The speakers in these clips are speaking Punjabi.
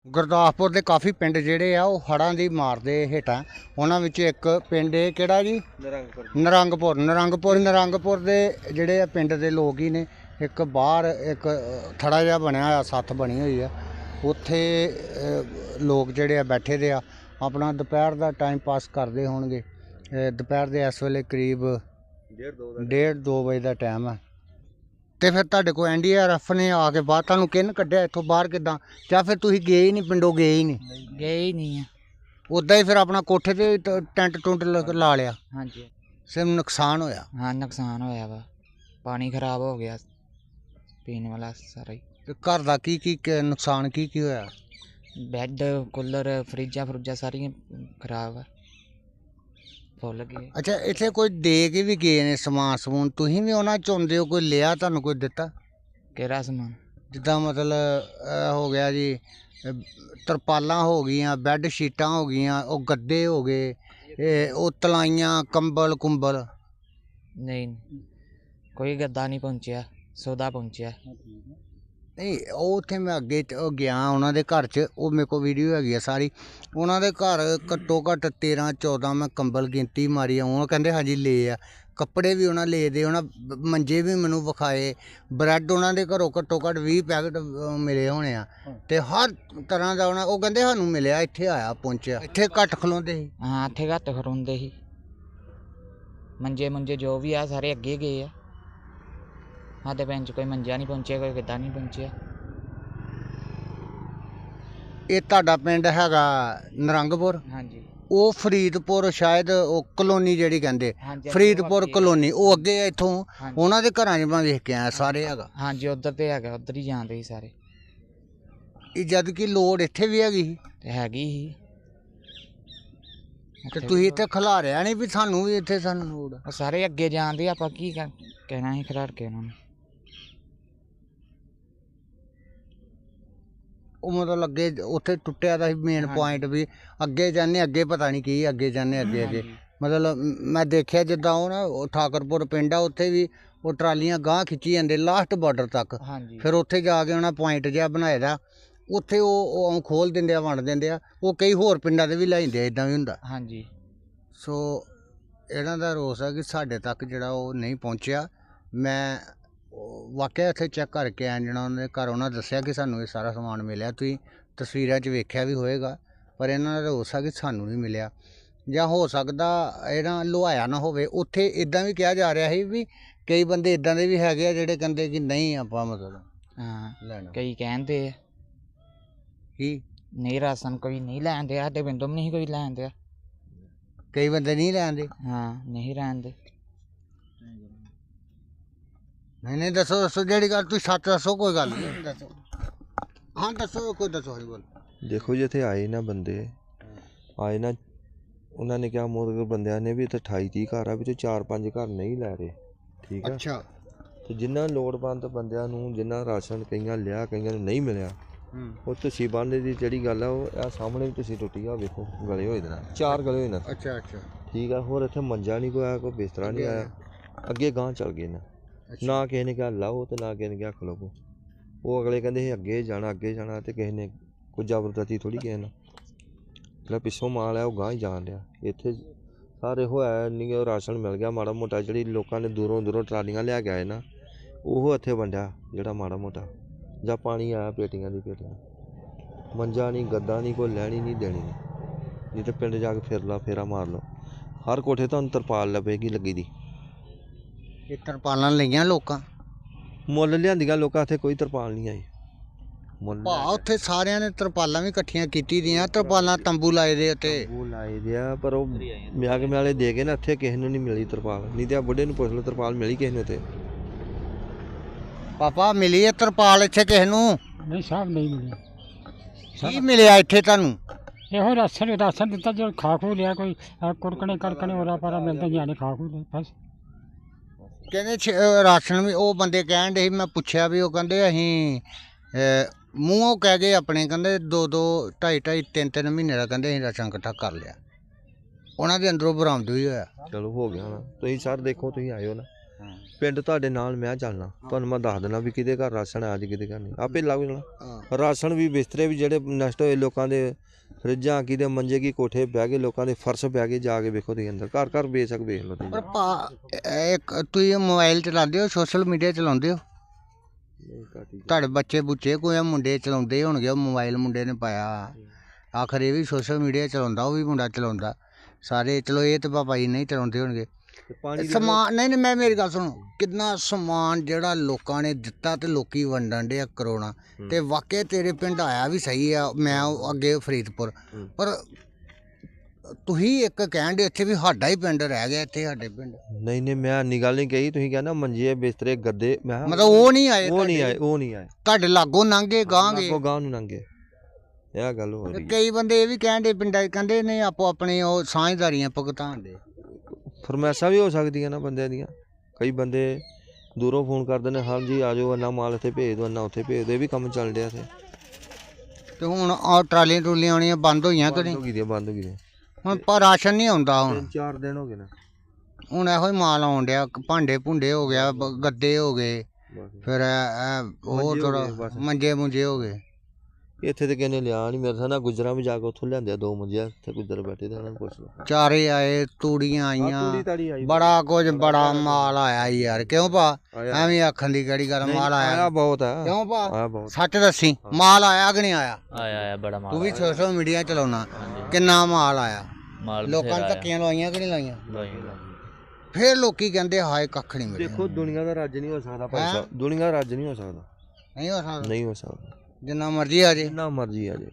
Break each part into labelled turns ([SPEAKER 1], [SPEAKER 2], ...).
[SPEAKER 1] ਗੁਰਦਾਸਪੁਰ ਦੇ ਕਾਫੀ ਪਿੰਡ ਜਿਹੜੇ ਆ ਉਹ ਹੜ੍ਹਾਂ ਦੀ ਮਾਰ ਦੇ ਹੇਠਾਂ। ਉਹਨਾਂ ਵਿੱਚ ਇੱਕ ਪਿੰਡ ਇਹ ਕਿਹੜਾ ਜੀ? ਨਰੰਗਪੁਰ ਦੇ ਜਿਹੜੇ ਆ ਪਿੰਡ ਦੇ ਲੋਕ ਹੀ ਨੇ। ਇੱਕ ਬਾਹਰ ਇੱਕ ਥੜਾ ਜਿਹਾ ਬਣਿਆ ਹੋਇਆ, ਸੱਥ ਬਣੀ ਹੋਈ ਆ, ਉੱਥੇ ਲੋਕ ਜਿਹੜੇ ਆ ਬੈਠੇ ਦੇ ਆ, ਆਪਣਾ ਦੁਪਹਿਰ ਦਾ ਟਾਈਮ ਪਾਸ ਕਰਦੇ ਹੋਣਗੇ। ਦੁਪਹਿਰ ਦੇ ਇਸ ਵੇਲੇ ਕਰੀਬ 1:30-2 ਵਜੇ ਦਾ ਟਾਈਮ ਆ। ਤੇ ਫਿਰ ਤੁਹਾਡੇ ਕੋਲ NDRF ਨੇ ਆ ਕੇ ਬਾਹਰ ਤੁਹਾਨੂੰ ਕਿਹਨ ਕੱਢਿਆ ਇੱਥੋਂ ਬਾਹਰ ਕਿੱਦਾਂ? ਜਾਂ ਫਿਰ ਤੁਸੀਂ ਗਏ ਹੀ ਨਹੀਂ, ਪਿੰਡੋਂ ਗਏ ਹੀ ਨਹੀਂ
[SPEAKER 2] ਆ।
[SPEAKER 1] ਉੱਦਾਂ ਹੀ ਫਿਰ ਆਪਣਾ ਕੋਠੇ ਤੇ ਟੈਂਟ ਟੁੰਟ ਲਾ ਲਿਆ?
[SPEAKER 2] ਹਾਂਜੀ।
[SPEAKER 1] ਸਿਰ ਨੁਕਸਾਨ ਹੋਇਆ?
[SPEAKER 2] ਹਾਂ, ਨੁਕਸਾਨ ਹੋਇਆ ਵਾ, ਪਾਣੀ ਖਰਾਬ ਹੋ ਗਿਆ ਪੀਣ ਵਾਲਾ ਸਾਰਾ ਹੀ।
[SPEAKER 1] ਤੇ ਘਰ ਦਾ ਕੀ ਨੁਕਸਾਨ ਕੀ ਹੋਇਆ?
[SPEAKER 2] ਬੈੱਡ, ਕੂਲਰ, ਫਰਿੱਜਾਂ ਸਾਰੀਆਂ ਖਰਾਬ ਆ, ਫੁੱਲ ਗਏ।
[SPEAKER 1] ਅੱਛਾ, ਇੱਥੇ ਕੋਈ ਦੇ ਕੇ ਵੀ ਗਏ ਨੇ ਸਮਾਨ ਸਮੂਨ? ਤੁਸੀਂ ਵੀ ਉਹਨਾਂ ਚਾਹੁੰਦੇ ਹੋ? ਕੋਈ ਲਿਆ ਤੁਹਾਨੂੰ, ਕੋਈ ਦਿੱਤਾ?
[SPEAKER 2] ਕਿਹੜਾ ਸਮਾਨ?
[SPEAKER 1] ਜਿੱਦਾਂ ਮਤਲਬ ਹੋ ਗਿਆ ਜੀ, ਤਰਪਾਲਾਂ ਹੋ ਗਈਆਂ, ਬੈੱਡ ਸ਼ੀਟਾਂ ਹੋ ਗਈਆਂ, ਉਹ ਗੱਦੇ ਹੋ ਗਏ, ਉਹ ਤਲਾਈਆਂ, ਕੰਬਲ ਕੁੰਬਲ?
[SPEAKER 2] ਨਹੀਂ, ਕੋਈ ਗੱਦਾ ਨਹੀਂ ਪਹੁੰਚਿਆ, ਸੌਦਾ ਪਹੁੰਚਿਆ।
[SPEAKER 1] ਨਹੀਂ, ਉਹ ਉੱਥੇ ਮੈਂ ਅੱਗੇ ਗਿਆ ਉਹਨਾਂ ਦੇ ਘਰ 'ਚ, ਉਹ ਮੇਰੇ ਕੋਲ ਵੀਡੀਓ ਹੈਗੀ ਆ ਸਾਰੀ। ਉਹਨਾਂ ਦੇ ਘਰ ਘੱਟੋ ਘੱਟ 13-14 ਮੈਂ ਕੰਬਲ ਗਿਣਤੀ ਮਾਰੀ ਆ। ਉਹ ਕਹਿੰਦੇ ਹਾਂਜੀ ਲਏ ਆ, ਕੱਪੜੇ ਵੀ ਉਹਨਾਂ ਲਏ ਦੇ, ਉਹਨਾਂ ਮੰਜੇ ਵੀ ਮੈਨੂੰ ਵਿਖਾਏ, ਬ੍ਰੈਡ ਉਹਨਾਂ ਦੇ ਘਰੋਂ ਘੱਟੋ ਘੱਟ 20 ਪੈਕਟ ਮਿਲੇ ਹੋਣੇ ਆ, ਤੇ ਹਰ ਤਰ੍ਹਾਂ ਦਾ ਉਹ ਕਹਿੰਦੇ ਸਾਨੂੰ ਮਿਲਿਆ, ਇੱਥੇ ਆਇਆ ਪਹੁੰਚਿਆ। ਇੱਥੇ ਘੱਟ ਖਲੋਂਦੇ ਸੀ?
[SPEAKER 2] ਹਾਂ, ਇੱਥੇ ਘੱਟ ਖਲੋਂਦੇ ਸੀ। ਮੰਜੇ ਜੋ ਵੀ ਆ ਸਾਰੇ ਅੱਗੇ ਗਏ ਆ। ਸਾਡੇ ਪਿੰਡ 'ਚ ਕੋਈ ਮੰਜਾ ਨਹੀਂ ਪਹੁੰਚਿਆ, ਕੋਈ ਗੱਦਾ ਨਹੀਂ ਪਹੁੰਚਿਆ।
[SPEAKER 1] ਇਹ ਤੁਹਾਡਾ ਪਿੰਡ ਹੈਗਾ ਨਰੰਗਪੁਰ?
[SPEAKER 2] ਹਾਂਜੀ।
[SPEAKER 1] ਉਹ ਫਰੀਦਪੁਰ ਸ਼ਾਇਦ, ਉਹ ਕਲੋਨੀ ਜਿਹੜੀ ਕਹਿੰਦੇ
[SPEAKER 2] ਹਾਂਜੀ,
[SPEAKER 1] ਫਰੀਦਪੁਰ ਕਲੋਨੀ, ਉਹ ਅੱਗੇ ਆ ਇੱਥੋਂ?
[SPEAKER 2] ਹਾਂਜੀ।
[SPEAKER 1] ਉਹਨਾਂ ਦੇ ਘਰਾਂ 'ਚ ਮੈਂ ਵੇਖ ਕੇ ਆਇਆ, ਸਾਰੇ ਹੈਗਾ?
[SPEAKER 2] ਹਾਂਜੀ, ਉੱਧਰ ਤੇ ਹੈਗਾ, ਉੱਧਰ ਹੀ ਜਾਂਦੇ ਸੀ ਸਾਰੇ।
[SPEAKER 1] ਇਹ ਜਦ ਕਿ ਲੋੜ ਇੱਥੇ ਵੀ ਹੈਗੀ ਸੀ
[SPEAKER 2] ਤੇ ਹੈਗੀ ਸੀ।
[SPEAKER 1] ਤੇ ਤੁਸੀਂ ਇੱਥੇ ਖਿਲਾਰਿਆ ਨਹੀਂ ਵੀ ਸਾਨੂੰ ਵੀ ਇੱਥੇ ਸਾਨੂੰ ਲੋੜ ਆ?
[SPEAKER 2] ਉਹ ਸਾਰੇ ਅੱਗੇ ਜਾਂਦੇ, ਆਪਾਂ ਕੀ ਕਹਿਣਾ ਸੀ ਖਿਲਾੜ ਕੇ ਉਹਨਾਂ ਨੂੰ।
[SPEAKER 1] ਉਹ ਮਤਲਬ ਅੱਗੇ ਉੱਥੇ ਟੁੱਟਿਆ ਦਾ ਸੀ ਮੇਨ ਪੁਆਇੰਟ ਵੀ, ਅੱਗੇ ਜਾਂਦੇ ਅੱਗੇ ਪਤਾ ਨਹੀਂ ਕੀ, ਅੱਗੇ ਜਾਂਦੇ ਅੱਗੇ ਮਤਲਬ ਮੈਂ ਦੇਖਿਆ ਜਿੱਦਾਂ ਉਹ ਨਾ ਠਾਕਰਪੁਰ ਪਿੰਡ ਆ, ਉੱਥੇ ਵੀ ਉਹ ਟਰਾਲੀਆਂ ਗਾਂਹ ਖਿੱਚੀ ਜਾਂਦੇ ਲਾਸਟ ਬਾਰਡਰ ਤੱਕ। ਫਿਰ ਉੱਥੇ ਜਾ ਕੇ ਉਹਨਾਂ ਪੁਆਇੰਟ ਜਿਹਾ ਬਣਾਏ ਦਾ, ਉੱਥੇ ਉਹ ਖੋਲ ਦਿੰਦੇ ਆ, ਵੰਡ ਦਿੰਦੇ ਆ। ਉਹ ਕਈ ਹੋਰ ਪਿੰਡਾਂ ਦੇ ਵੀ ਲੈ ਜਾਂਦੇ ਆ, ਇੱਦਾਂ ਵੀ ਹੁੰਦਾ।
[SPEAKER 2] ਹਾਂਜੀ।
[SPEAKER 1] ਸੋ ਇਹਨਾਂ ਦਾ ਰੋਸ ਆ ਕਿ ਸਾਡੇ ਤੱਕ ਜਿਹੜਾ ਉਹ ਨਹੀਂ ਪਹੁੰਚਿਆ। ਮੈਂ ਵਾਕਿਆ ਇੱਥੇ ਚੈੱਕ ਕਰਕੇ ਆਇਆ, ਜਿਹੜਾ ਉਹਨਾਂ ਦੇ ਘਰ ਉਹਨਾਂ ਦੱਸਿਆ ਕਿ ਸਾਨੂੰ ਇਹ ਸਾਰਾ ਸਮਾਨ ਮਿਲਿਆ। ਤੁਸੀਂ ਤਸਵੀਰਾਂ 'ਚ ਵੇਖਿਆ ਵੀ ਹੋਏਗਾ, ਪਰ ਇਹਨਾਂ ਦਾ ਰੋਸ ਆ ਕਿ ਸਾਨੂੰ ਨਹੀਂ ਮਿਲਿਆ। ਜਾਂ ਹੋ ਸਕਦਾ ਇਹਨਾਂ ਲੁਹਾਇਆ ਨਾ ਹੋਵੇ। ਉੱਥੇ ਇੱਦਾਂ ਵੀ ਕਿਹਾ ਜਾ ਰਿਹਾ ਸੀ ਵੀ ਕਈ ਬੰਦੇ ਇੱਦਾਂ ਦੇ ਵੀ ਹੈਗੇ ਆ ਜਿਹੜੇ ਕਹਿੰਦੇ ਕਿ ਨਹੀਂ ਆਪਾਂ ਮਤਲਬ ਲੈਣਾ।
[SPEAKER 2] ਕਈ ਕਹਿੰਦੇ ਆ
[SPEAKER 1] ਕੀ
[SPEAKER 2] ਨਹੀਂ, ਰਾਸ਼ਨ ਕੋਈ ਨਹੀਂ ਲੈਣ ਦਿਆ, ਸਾਡੇ ਪਿੰਡੋਂ ਵੀ ਨਹੀਂ ਕੋਈ ਲੈਣ ਦਿਆ।
[SPEAKER 1] ਕਈ ਬੰਦੇ ਨਹੀਂ ਲੈਂਦੇ?
[SPEAKER 2] ਹਾਂ, ਨਹੀਂ ਲੈਂਦੇ।
[SPEAKER 1] ਨਹੀਂ ਦੱਸੋ ਜਿਹੜੀ ਗੱਲ ਤੁਸੀਂ ਸੱਚ ਦੱਸੋ, ਕੋਈ ਗੱਲ ਨਹੀਂ ਦੱਸੋ। ਹਾਂ ਦੱਸੋ, ਕੋਈ ਦੱਸੋ ਜੀ ਬੋਲ।
[SPEAKER 3] ਦੇਖੋ ਜੀ, ਇੱਥੇ ਆਏ ਨਾ ਬੰਦੇ ਆਏ ਨਾ, ਉਹਨਾਂ ਨੇ ਕਿਹਾ ਮੋਦਗਰ ਬੰਦਿਆਂ ਨੇ ਵੀ ਇੱਥੇ 28-30 ਘਰ ਆ, ਵਿੱਚੋਂ 4-5 ਘਰ ਨਹੀਂ ਲੈ ਰਹੇ, ਠੀਕ ਆ?
[SPEAKER 1] ਅੱਛਾ। ਤੇ
[SPEAKER 3] ਜਿਨ੍ਹਾਂ ਲੋੜਵੰਦ ਬੰਦਿਆਂ ਨੂੰ, ਜਿਨ੍ਹਾਂ ਰਾਸ਼ਨ ਕਈਆਂ ਲਿਆ, ਕਈਆਂ ਨੂੰ ਨਹੀਂ ਮਿਲਿਆ, ਉਹ ਤੁਸੀਂ ਬੰਦੇ ਦੀ ਜਿਹੜੀ ਗੱਲ ਆ, ਉਹ ਆ ਸਾਹਮਣੇ ਵੀ ਤੁਸੀਂ ਟੁੱਟੀ ਆ, ਵੇਖੋ ਗਲੇ ਹੋਏ ਦੇ ਨਾਲ, 4 ਗਲੇ ਹੋਏ ਨਾ।
[SPEAKER 1] ਅੱਛਾ।
[SPEAKER 3] ਠੀਕ ਆ। ਹੋਰ ਇੱਥੇ ਮੰਜਾ ਨਹੀਂ ਕੋਈ ਆਇਆ, ਕੋਈ ਬਿਸਤਰਾ ਨਹੀਂ ਆਇਆ। ਅੱਗੇ ਗਾਂਹ ਚੱਲ ਗਏ ਨਾ ਕਿਸੇ ਨੇ ਕਿਹਾ ਲਾਓ ਤੇ ਨਾ ਕਿਸੇ ਨੇ ਕਿਹਾ ਖਲੋਵੋ। ਉਹ ਅਗਲੇ ਕਹਿੰਦੇ ਸੀ ਅੱਗੇ ਜਾਣਾ ਤੇ ਕਿਸੇ ਨੇ ਕੋਈ ਜ਼ਬਰਦਸਤੀ ਥੋੜ੍ਹੀ ਕਿਸੇ ਨਾਲ। ਜਿਹੜਾ ਪਿੱਛੋਂ ਮਾਲ ਆ ਉਹ ਗਾਂਹ ਹੀ ਜਾਣ ਡਿਆ। ਇੱਥੇ ਸਾਰੇ ਹੋਇਆ ਨਹੀਂ, ਉਹ ਰਾਸ਼ਨ ਮਿਲ ਗਿਆ ਮਾੜਾ ਮੋਟਾ, ਜਿਹੜੀ ਲੋਕਾਂ ਨੇ ਦੂਰੋਂ ਟਰਾਲੀਆਂ ਲਿਆ ਕੇ ਆਏ ਨਾ, ਉਹ ਇੱਥੇ ਵੰਡਿਆ ਜਿਹੜਾ ਮਾੜਾ ਮੋਟਾ, ਜਾਂ ਪਾਣੀ ਆਇਆ ਪੇਟੀਆਂ ਦੀ ਪੇਟੀਆਂ। ਮੰਜਾ ਨਹੀਂ, ਗੱਦਾ ਨਹੀਂ, ਕੋਈ ਲੈਣੀ ਨਹੀਂ ਦੇਣੀ ਨਹੀਂ। ਨਹੀਂ ਤਾਂ ਪਿੰਡ ਜਾ ਕੇ ਫੇਰਾ ਮਾਰ ਲਓ, ਹਰ ਕੋਠੇ ਤੁਹਾਨੂੰ ਤਰਪਾਲ ਲੱਭੇਗੀ ਲੱਗੀ ਦੀ।
[SPEAKER 1] ਇਹ ਤਰਪਾਲਾਂ ਲਈਆਂ ਲੋਕਾਂ?
[SPEAKER 3] ਮੁੱਲ ਲਿਆਂਦੀਆਂ ਲੋਕਾਂ, ਇੱਥੇ ਕੋਈ ਤਰਪਾਲ ਨਹੀਂ ਆਈ ਮੁੱਲ।
[SPEAKER 1] ਉੱਥੇ ਸਾਰਿਆਂ ਨੇ ਤਰਪਾਲਾਂ ਵੀ ਇਕੱਠੀਆਂ ਕੀਤੀ ਦੀਆਂ, ਤਰਪਾਲਾਂ ਤੰਬੂ ਲਾਏ ਦੇ ਉੱਤੇ।
[SPEAKER 3] ਤੰਬੂ ਲਾਏ ਦੇ ਆ, ਪਰ ਉਹ ਮਿਆਗ ਮਿਆਲੇ ਦੇ ਗਏ ਨਾ, ਇੱਥੇ ਕਿਸੇ ਨੂੰ ਨਹੀਂ ਮਿਲੀ ਤਰਪਾਲ। ਨਹੀਂ ਤੇ ਆ ਬੁੱਢੇ ਨੂੰ ਪੁੱਛ ਲਓ, ਤਰਪਾਲ ਮਿਲੀ ਕਿਸੇ ਨੂੰ ਇੱਥੇ?
[SPEAKER 1] ਪਾਪਾ ਮਿਲੀ ਹੈ ਤਰਪਾਲ ਇੱਥੇ ਕਿਸੇ ਨੂੰ?
[SPEAKER 4] ਨਹੀਂ ਸਾਹਿਬ, ਨਹੀਂ ਮਿਲਿਆ।
[SPEAKER 1] ਕੀ ਮਿਲਿਆ ਇੱਥੇ ਤੁਹਾਨੂੰ?
[SPEAKER 4] ਇਹੋ ਰਾਸ਼ਨ ਦਿੱਤਾ, ਜੋ ਖਾ ਖੂ ਲਿਆ, ਕੋਈ ਕੁਰਕਣੇ ਕਰਕਣੇ ਹੋਰਾ ਪਾਰਾ ਮਿਲਦਾ, ਜਾਣੇ ਖਾ ਖੂ ਲਿਆ ਬਸ।
[SPEAKER 1] ਕਹਿੰਦੇ ਰਾਸ਼ਨ ਵੀ ਉਹ ਬੰਦੇ ਕਹਿਣ ਡੇ ਸੀ, ਮੈਂ ਪੁੱਛਿਆ ਵੀ, ਉਹ ਕਹਿੰਦੇ ਅਸੀਂ ਮੂੰਹੋਂ ਕਹਿ ਗਏ ਆਪਣੇ, ਕਹਿੰਦੇ 2-2, 2.5-2.5, 3-3 ਮਹੀਨੇ ਦਾ ਕਹਿੰਦੇ ਅਸੀਂ ਰਾਸ਼ਨ ਇਕੱਠਾ ਕਰ ਲਿਆ। ਉਹਨਾਂ ਦੇ ਅੰਦਰੋਂ ਬਰਾਮਦ ਵੀ ਹੋਇਆ।
[SPEAKER 3] ਚਲੋ ਹੋ ਗਿਆ ਨਾ। ਤੁਸੀਂ ਸਰ ਦੇਖੋ, ਤੁਸੀਂ ਆਇਓ ਨਾ, ਪਿੰਡ ਤੁਹਾਡੇ ਨਾਲ ਮੈਂ ਚੱਲਣਾ, ਤੁਹਾਨੂੰ ਮੈਂ ਦੱਸ ਦੇਣਾ ਵੀ ਕਿਹਦੇ ਘਰ ਰਾਸ਼ਨ ਆ, ਅੱਜ ਕਿਹਦੇ ਘਰ ਨਹੀਂ, ਆਪੇ ਲੱਗ ਜਾਣਾ। ਰਾਸ਼ਨ ਵੀ ਬਿਸਤਰੇ ਵੀ ਜਿਹੜੇ ਨਸ਼ਟ ਹੋਏ ਲੋਕਾਂ ਦੇ, ਫਰਿੱਜਾਂ ਕਿਹਦੇ ਮੰਜੇ ਕੀ ਕੋਠੇ ਬਹਿ ਗਏ, ਲੋਕਾਂ ਦੇ ਫਰਸ਼ ਬਹਿ ਗਏ, ਜਾ ਕੇ ਵੇਖੋ ਤੁਸੀਂ ਅੰਦਰ ਘਰ ਘਰ ਬੇਸ਼ੱਕ ਵੇਖ ਲਓ ਤੁਸੀਂ।
[SPEAKER 1] ਇੱਕ ਤੁਸੀਂ ਮੋਬਾਈਲ ਚਲਾਉਂਦੇ ਹੋ, ਸੋਸ਼ਲ ਮੀਡੀਆ ਚਲਾਉਂਦੇ ਹੋ? ਤੁਹਾਡੇ ਬੱਚੇ ਬੁੱਚੇ ਕੋਈ ਮੁੰਡੇ ਚਲਾਉਂਦੇ ਹੋਣਗੇ, ਉਹ ਮੋਬਾਈਲ ਮੁੰਡੇ ਨੇ ਪਾਇਆ, ਆਖਰ ਇਹ ਵੀ ਸੋਸ਼ਲ ਮੀਡੀਆ ਚਲਾਉਂਦਾ, ਉਹ ਵੀ ਮੁੰਡਾ ਚਲਾਉਂਦਾ, ਸਾਰੇ ਚਲੋ ਇਹ ਤਾਂ ਪਾਪਾ ਜੀ ਨਹੀਂ ਚਲਾਉਂਦੇ ਹੋਣਗੇ। ਸਮਾਨ ਨਹੀਂ ਮੈਂ ਮੇਰੀ ਗੱਲ ਸੁਣੋ, ਕਿੰਨਾ ਸਮਾਨ ਜਿਹੜਾ ਲੋਕਾਂ ਨੇ ਦਿੱਤਾ ਤੇ ਲੋਕੀ ਵੰਡਣ ਦੇ ਕਰੋਨਾ, ਤੇ ਵਾਕਿਆ ਤੇਰੇ ਪਿੰਡ ਆਇਆ ਵੀ ਸਹੀ ਆ, ਮੈਂ ਅੱਗੇ ਫਰੀਦਪੁਰ, ਪਰ ਤੁਸੀਂ ਇੱਕ ਕਹਿਣ ਦੇ ਇੱਥੇ ਵੀ ਸਾਡਾ ਹੀ ਪਿੰਡ ਰਹਿ ਗਿਆ, ਇੱਥੇ ਸਾਡੇ ਪਿੰਡ
[SPEAKER 3] ਨਹੀਂ ਮੈਂ ਇੰਨੀ ਗੱਲ ਨਹੀਂ ਕਹੀ, ਤੁਸੀਂ ਕਹਿੰਦਾ ਮੰਜੇ ਬਿਸਤਰੇ ਗੱਦੇ, ਮੈਂ
[SPEAKER 1] ਮਤਲਬ ਉਹ ਨਹੀਂ ਆਏ,
[SPEAKER 3] ਉਹ ਨਹੀਂ ਆਏ
[SPEAKER 1] ਤੁਹਾਡੇ ਲਾਗੋਂ ਲੰਘੇ ਗਾਂਗੇ,
[SPEAKER 3] ਗਾਂ ਨੂੰ ਲੰਘੇ, ਇਹ ਗੱਲ ਹੋ ਰਹੀ।
[SPEAKER 1] ਕਈ ਬੰਦੇ ਇਹ ਵੀ ਕਹਿਣ ਦੇ ਪਿੰਡਾਂ 'ਚ, ਕਹਿੰਦੇ ਨਹੀਂ ਆਪੋ ਆਪਣੀ ਉਹ ਸਾਂਝਦਾਰੀਆਂ ਭੁਗਤਾਨ ਦੇ,
[SPEAKER 3] ਫਰਮੈਸ਼ਾਂ ਵੀ ਹੋ ਸਕਦੀਆਂ ਨਾ ਬੰਦਿਆਂ ਦੀਆਂ, ਕਈ ਬੰਦੇ ਦੂਰੋਂ ਫੋਨ ਕਰਦੇ ਨੇ, ਹਾਂਜੀ ਆ ਜਾਓ, ਇੰਨਾ ਮਾਲ ਇੱਥੇ ਭੇਜ ਦਿਓ, ਇੰਨਾ ਉੱਥੇ ਭੇਜ ਦਿਓ, ਇਹ ਵੀ ਕੰਮ ਚੱਲ ਰਿਹਾ ਇੱਥੇ।
[SPEAKER 1] ਤੇ ਹੁਣ ਆ ਟਰਾਲੀਆਂ ਟਰੂਲੀਆਂ ਆਉਣੀਆਂ ਬੰਦ ਹੋਈਆਂ ਕਿ ਨਹੀਂ?
[SPEAKER 3] ਬੰਦ ਹੋ ਗਈ
[SPEAKER 1] ਹੁਣ ਪਰ ਰਾਸ਼ਨ ਨਹੀਂ ਆਉਂਦਾ, ਹੁਣ
[SPEAKER 3] 4 ਦਿਨ ਹੋ ਗਏ ਨੇ,
[SPEAKER 1] ਹੁਣ ਇਹੋ ਹੀ ਮਾਲ ਆਉਣ ਡਿਆ, ਭਾਂਡੇ ਭੁੰਡੇ ਹੋ ਗਿਆ, ਗੱਦੇ ਹੋ ਗਏ, ਫਿਰ ਉਹ ਥੋੜਾ ਮੰਜੇ ਮੁੰਜੇ ਹੋ ਗਏ।
[SPEAKER 3] ਇੱਥੇ ਤੇ ਕਿਹਨੇ ਲਿਆ ਨਹੀਂ, ਮੇਰੇ ਨਾਲ ਗੁਜਰਾਂ ਵੀ ਜਾ ਕੇ ਉੱਥੋਂ ਲਿਆਂਦੇ 2 ਮੰਜੇ, ਇੱਥੇ ਗੁਜਰ ਬੈਠੇ ਤੇ ਉਹਨਾਂ ਨੂੰ ਪੁੱਛ ਲਓ।
[SPEAKER 1] ਚਾਰੇ ਆਏ, ਤੂੜੀਆਂ ਆਈਆਂ, ਬੜਾ ਕੁਝ, ਬੜਾ ਮਾਲ ਆਇਆ ਯਾਰ, ਕਿਉਂ ਭਾ? ਐਵੇਂ ਆਖਣ ਦੀ ਕਿਹੜੀ ਗੱਲ, ਮਾਲ ਆਇਆ
[SPEAKER 3] ਬਹੁਤ ਹੈ,
[SPEAKER 1] ਕਿਉਂ ਭਾ?
[SPEAKER 3] ਆਇਆ ਬਹੁਤ।
[SPEAKER 1] ਸੱਚ ਦੱਸੀ, ਮਾਲ ਆਇਆ ਕਿ ਨਹੀਂ ਆਇਆ?
[SPEAKER 2] ਆਇਆ ਬੜਾ ਮਾਲ,
[SPEAKER 1] ਤੂੰ ਵੀ ਸੋਸ਼ਲ ਮੀਡੀਆ ਚਲਾਉਣਾ, ਕਿੰਨਾ ਮਾਲ ਆਇਆ? ਲੋਕਾਂ ਨੇ ਧੱਕੀਆਂ ਲਵਾਈਆਂ ਕਿ ਨਹੀਂ ਲਾਈਆਂ? ਫਿਰ ਲੋਕੀ ਕਹਿੰਦੇ ਹਾਏ ਕੱਖ ਨਹੀਂ ਮਿਲਿਆ।
[SPEAKER 3] ਦੇਖੋ ਦੁਨੀਆ ਦਾ ਰਾਜ ਨਹੀਂ ਹੋ ਸਕਦਾ ਭਾਈ ਸਾਹਿਬ, ਦੁਨੀਆ ਦਾ ਰਾਜ ਨਹੀਂ ਹੋ ਸਕਦਾ, ਨਹੀਂ ਹੋ ਸਕਦਾ,
[SPEAKER 1] ਜਿੰਨਾ ਮਰਜ਼ੀ ਆ ਜੇ,
[SPEAKER 3] ਜਿੰਨਾ ਮਰਜ਼ੀ ਆ ਜੇ,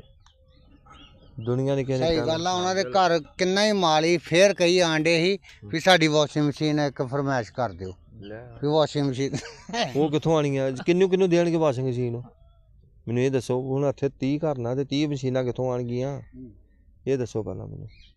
[SPEAKER 3] ਦੁਨੀਆ ਨੇ ਕਿਸੇ ਨੇ
[SPEAKER 1] ਸਹੀ ਗੱਲ ਆ। ਉਹਨਾਂ ਦੇ ਘਰ ਕਿੰਨਾ ਹੀ ਮਾਲ ਹੀ, ਫੇਰ ਕਈ ਆਂਡੇ ਸੀ ਵੀ ਸਾਡੀ ਵਾਸ਼ਿੰਗ ਮਸ਼ੀਨ ਇੱਕ ਫਰਮਾਇਸ਼ ਕਰ ਦਿਓ, ਵੀ ਵਾਸ਼ਿੰਗ ਮਸ਼ੀਨ
[SPEAKER 3] ਉਹ ਕਿੱਥੋਂ ਆਣੀ ਆ, ਕਿੰਨੂੰ ਦੇਣਗੇ ਵਾਸ਼ਿੰਗ ਮਸ਼ੀਨ? ਮੈਨੂੰ ਇਹ ਦੱਸੋ, ਹੁਣ ਇੱਥੇ 30 ਘਰ ਨਾ ਤੇ 30 ਮਸ਼ੀਨਾਂ ਕਿੱਥੋਂ ਆਣਗੀਆਂ, ਇਹ ਦੱਸੋ ਪਹਿਲਾਂ ਮੈਨੂੰ।